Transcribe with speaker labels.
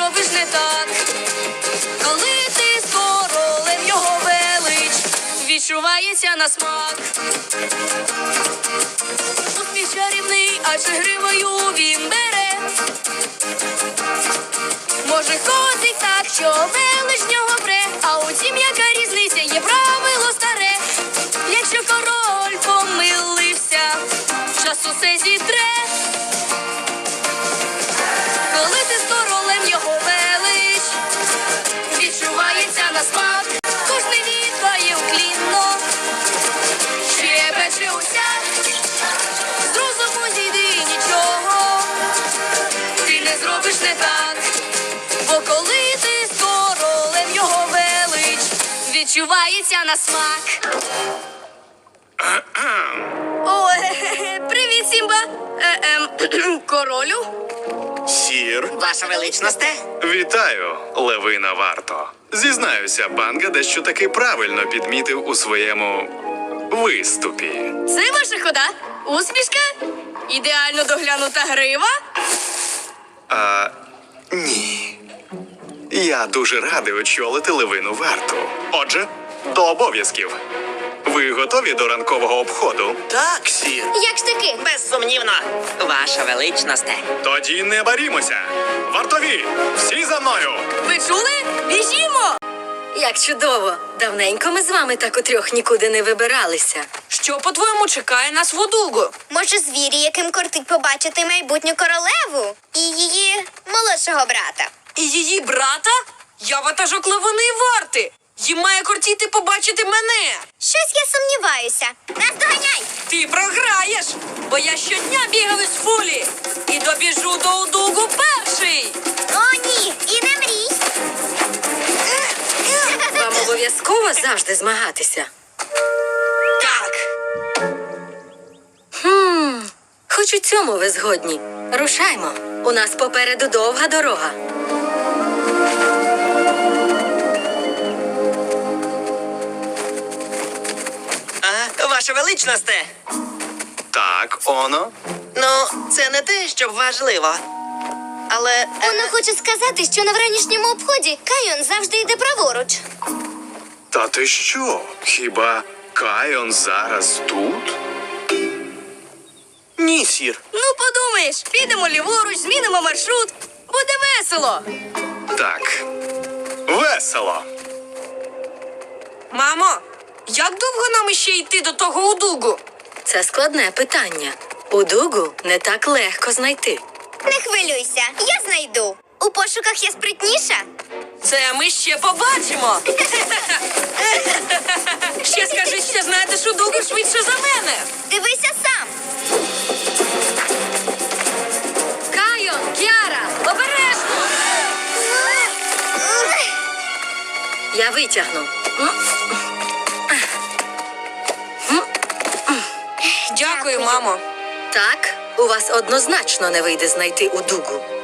Speaker 1: зробиш не так. Коли ти з королем, його велич відчувається на смак. Успіх чарівний, адже гривою він бере. Може ходить так, що велич в нього пре. А утім, яка різниця, є правило старе. Якщо король помилився, час усе зітре. Коли ти з королем, його велич відчувається на смак. Кожний віддає уклінно, щебече усяк. З розуму зійди нічого, ти не зробиш не так. Бо коли ти з королем, його велич відчувається на смак. О, привіт, Сімба. Королю?
Speaker 2: Сір,
Speaker 3: Ваша величносте?
Speaker 2: вітаю, Левина Варто. Зізнаюся, Банга дещо таки правильно підмітив у своєму виступі.
Speaker 1: Це ваша хода? Усмішка? Ідеально доглянута грива?
Speaker 2: Ні. Я дуже радий очолити Левину Варту. Отже, до обов'язків. Ви готові до ранкового обходу?
Speaker 3: Так, сір.
Speaker 1: Як ж таки?
Speaker 3: Безсумнівно. Ваша величносте.
Speaker 2: Тоді не барімося. Вартові, всі за мною!
Speaker 1: Ви чули? Біжімо!
Speaker 4: Як чудово! Давненько ми з вами так утрьох нікуди не вибиралися.
Speaker 1: Що, по-твоєму, чекає нас в Одугу?
Speaker 5: Може, звірі, яким кортить побачити майбутню королеву і її молодшого брата.
Speaker 1: І її брата? Я ватажок Левини Варти. Їм має кортіти побачити мене.
Speaker 5: Щось я сумніваюся. Наздоганяй!
Speaker 1: Ти програєш, бо я щодня бігав із фулі і добіжу до Одугу перший.
Speaker 5: О, ні! І не мрій!
Speaker 4: Вам обов'язково завжди змагатися.
Speaker 1: Так.
Speaker 4: Хоч у цьому ви згодні. Рушаймо. У нас попереду довга дорога.
Speaker 3: Ваша величносте.
Speaker 2: Так, оно.
Speaker 3: Ну, це не те, щоб важливо. Але...
Speaker 5: Вона хоче сказати, що на вранішньому обході Кайон завжди йде праворуч.
Speaker 2: Та ти що? Хіба Кайон зараз тут?
Speaker 3: Ні, сір.
Speaker 1: Ну, подумаєш, підемо ліворуч, змінимо маршрут. Буде весело.
Speaker 2: Так. Весело.
Speaker 1: Мамо, як довго нам іще йти до того Одугу?
Speaker 4: Це складне питання. Удугу не так легко знайти.
Speaker 5: Не хвилюйся, я знайду. У пошуках я спритніша.
Speaker 1: Це ми ще побачимо. Ще скажи, що знаєте Одугу швидше за мене.
Speaker 5: Дивися сам.
Speaker 1: Кайон, Кіара, обережно.
Speaker 4: Я витягну.
Speaker 1: Дякую, мамо.
Speaker 4: Так, у вас однозначно не вийде знайти Удугу.